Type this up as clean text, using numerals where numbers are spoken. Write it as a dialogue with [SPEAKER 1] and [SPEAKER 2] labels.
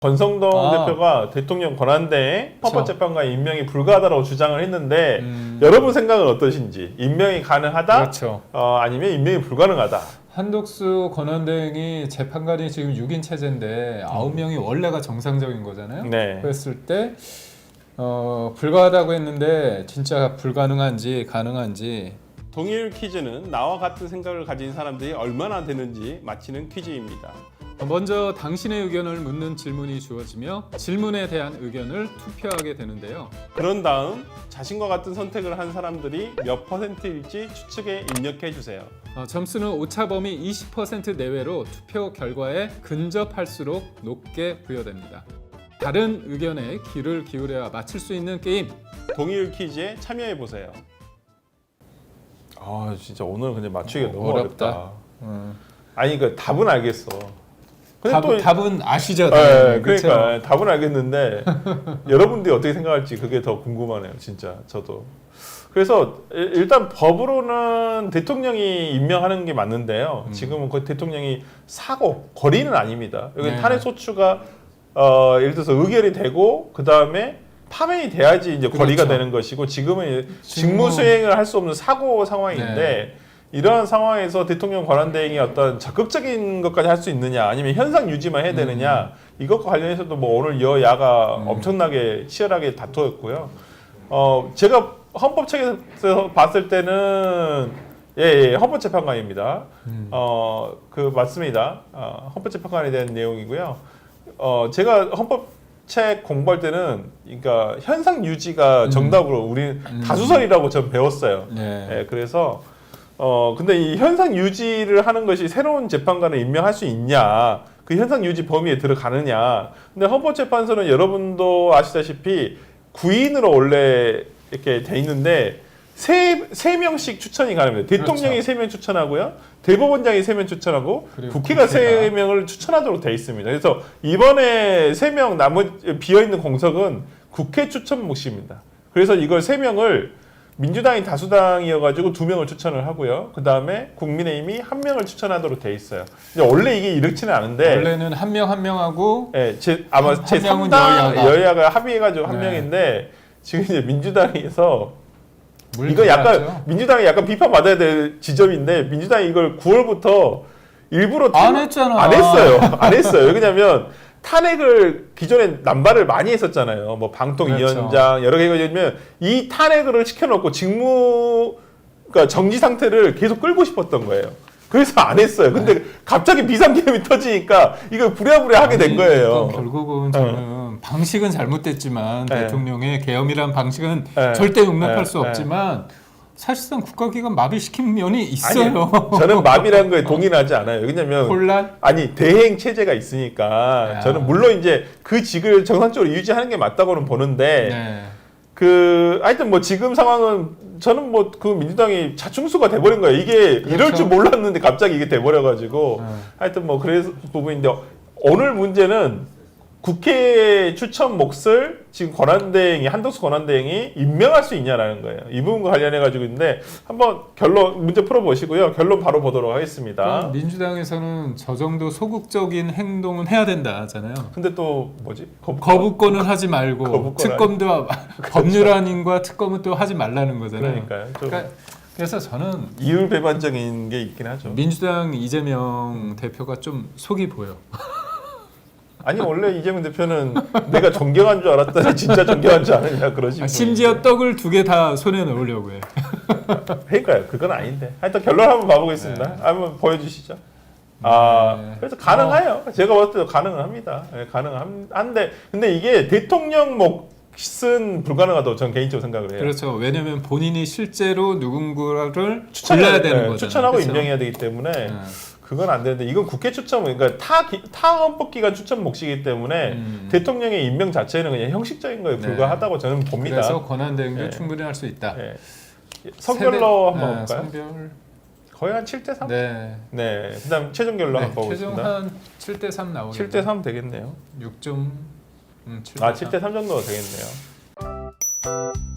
[SPEAKER 1] 권성동 대표가 대통령 권한대행 헌법재판관 임명이 불가하다고 주장을 했는데 여러분 생각은 어떠신지? 임명이 가능하다?
[SPEAKER 2] 그렇죠.
[SPEAKER 1] 아니면 임명이 불가능하다?
[SPEAKER 2] 한덕수 권한대행이 재판관이 지금 6인 체제인데 9명이 원래가 정상적인 거잖아요.
[SPEAKER 1] 네.
[SPEAKER 2] 그랬을 때 불가하다고 했는데 진짜 불가능한지 가능한지.
[SPEAKER 1] 동일 퀴즈는 나와 같은 생각을 가진 사람들이 얼마나 되는지 맞히는 퀴즈입니다.
[SPEAKER 2] 먼저 당신의 의견을 묻는 질문이 주어지며 질문에 대한 의견을 투표하게 되는데요.
[SPEAKER 1] 그런 다음 자신과 같은 선택을 한 사람들이 몇 %일지 추측에 입력해 주세요.
[SPEAKER 2] 점수는 오차범위 20% 내외로 투표 결과에 근접할수록 높게 부여됩니다. 다른 의견에 귀를 기울여야 맞출 수 있는 게임.
[SPEAKER 1] 동일 퀴즈에 참여해 보세요. 아 진짜 오늘 근데 맞추기가 너무
[SPEAKER 2] 어렵다.
[SPEAKER 1] 아니 그 답은 알겠어.
[SPEAKER 2] 답은 아시죠?
[SPEAKER 1] 네, 그러니까 답은 알겠는데 여러분들이 어떻게 생각할지 그게 더 궁금하네요. 진짜 저도. 그래서 일단 법으로는 대통령이 임명하는 게 맞는데요. 지금은 그 대통령이 사고 거리는 아닙니다. 여기 탄핵 소추가 예를 들어서 의결이 되고 그 다음에 파면이 돼야지 이제 거리가 되는 것이고 지금은 직무 수행을 할 수 없는 사고 상황인데. 이러한 상황에서 대통령 권한대행이 어떤 적극적인 것까지 할 수 있느냐 아니면 현상 유지만 해야 되느냐 이것과 관련해서도 뭐 오늘 여야가 엄청나게 치열하게 다투었고요. 제가 헌법책에서 봤을 때는 헌법재판관입니다. 맞습니다. 헌법재판관에 대한 내용이고요. 제가 헌법책 공부할 때는 그러니까 현상 유지가 정답으로 우리 다수설이라고 전 배웠어요. 그래서 근데 이 현상 유지를 하는 것이 새로운 재판관을 임명할 수 있냐, 그 현상 유지 범위에 들어가느냐. 근데 헌법재판소는 여러분도 아시다시피 9인으로 원래 이렇게 돼 있는데 세 명씩 추천이 가능합니다. 대통령이
[SPEAKER 2] 그렇죠.
[SPEAKER 1] 3명 추천하고요, 대법원장이 3명 추천하고 국회가 3명을 추천하도록 돼 있습니다. 그래서 이번에 3명 비어 있는 공석은 국회 추천 몫입니다. 그래서 이걸 3명을 민주당이 다수당이어가지고 2명을 추천을 하고요. 그 다음에 국민의힘이 1명을 추천하도록 돼 있어요. 원래 이게 이렇지는 않은데
[SPEAKER 2] 원래는 한 명 하고
[SPEAKER 1] 아마 제 3당 여야가 합의해가지고 1명인데 지금 이제 민주당에서 이거 약간 민주당이 약간 비판받아야 될 지점인데 민주당이 이걸 9월부터 일부러
[SPEAKER 2] 안 했잖아.
[SPEAKER 1] 안 했어요. 안 했어요. 왜냐면 탄핵을 기존에 남발을 많이 했었잖아요. 뭐 방통위원장 여러 개가 있으면 이 탄핵을 시켜놓고 그러니까 정지 상태를 계속 끌고 싶었던 거예요. 그래서 안 했어요. 근데 갑자기 비상계엄이 터지니까 이걸 부랴부랴 하게 된 거예요.
[SPEAKER 2] 결국은 저는 방식은 잘못됐지만 대통령의 계엄이란 방식은 절대 용납할 수 없지만 사실상 국가기관 마비시킨 면이 있어요.
[SPEAKER 1] 아니, 저는 마비라는 거에 동의하지 않아요. 왜냐면
[SPEAKER 2] 혼란?
[SPEAKER 1] 아니 대행 체제가 있으니까 저는 물론 이제 그 직을 정상적으로 유지하는 게 맞다고는 보는데 하여튼 뭐 지금 상황은 저는 뭐 그 민주당이 자충수가 돼버린 거예요. 이게 이럴 줄 몰랐는데 갑자기 이게 돼버려가지고 하여튼 뭐 그래서 부분인데 오늘 문제는 국회 추천 몫을 지금 한덕수 권한대행이 임명할 수 있냐라는 거예요. 이 부분과 관련해가지고 있는데 한번 문제 풀어보시고요. 결론 바로 보도록 하겠습니다.
[SPEAKER 2] 민주당에서는 저 정도 소극적인 행동은 해야 된다 하잖아요.
[SPEAKER 1] 근데 또 뭐지?
[SPEAKER 2] 거부권은 하지 말고 특검도 법률안인과 특검은 또 하지 말라는 거잖아요.
[SPEAKER 1] 그러니까요.
[SPEAKER 2] 그래서 저는
[SPEAKER 1] 이율배반적인 게 있긴 하죠.
[SPEAKER 2] 민주당 이재명 대표가 좀 속이 보여.
[SPEAKER 1] 아니 원래 이재명 대표는 내가 존경한 줄 알았더니 진짜 존경한 줄 아느냐 그러시고
[SPEAKER 2] 심지어 떡을 2개 다 손에 넣으려고 해.
[SPEAKER 1] 그러니까요. 그건 아닌데 하여튼 결론 한번 봐보겠습니다. 한번 보여주시죠. 그래서 가능해요. 제가 봤을 때도 가능은 합니다. 가능한데 근데 이게 대통령 몫은 불가능하다고 저는 개인적으로 생각을 해요.
[SPEAKER 2] 그렇죠. 왜냐하면 본인이 실제로 누군가를 골라야 되는 거잖아요.
[SPEAKER 1] 추천하고
[SPEAKER 2] 그렇죠?
[SPEAKER 1] 임명해야 되기 때문에 그건 안 되는데 이건 국회 추천, 그러니까 타 헌법기관 추천 몫이기 때문에 대통령의 임명 자체는 그냥 형식적인 거에 불과하다고 저는 봅니다.
[SPEAKER 2] 그래서 권한대행도 충분히 할 수 있다.
[SPEAKER 1] 선별로 한번 볼까요?
[SPEAKER 2] 선별
[SPEAKER 1] 거의 한 7대3?
[SPEAKER 2] 네.
[SPEAKER 1] 그다음 최종 결론 한번
[SPEAKER 2] 최종
[SPEAKER 1] 보겠습니다.
[SPEAKER 2] 한 7대3 나오겠네요.
[SPEAKER 1] 7대3 되겠네요.
[SPEAKER 2] 6점
[SPEAKER 1] 7대3 정도가 되겠네요.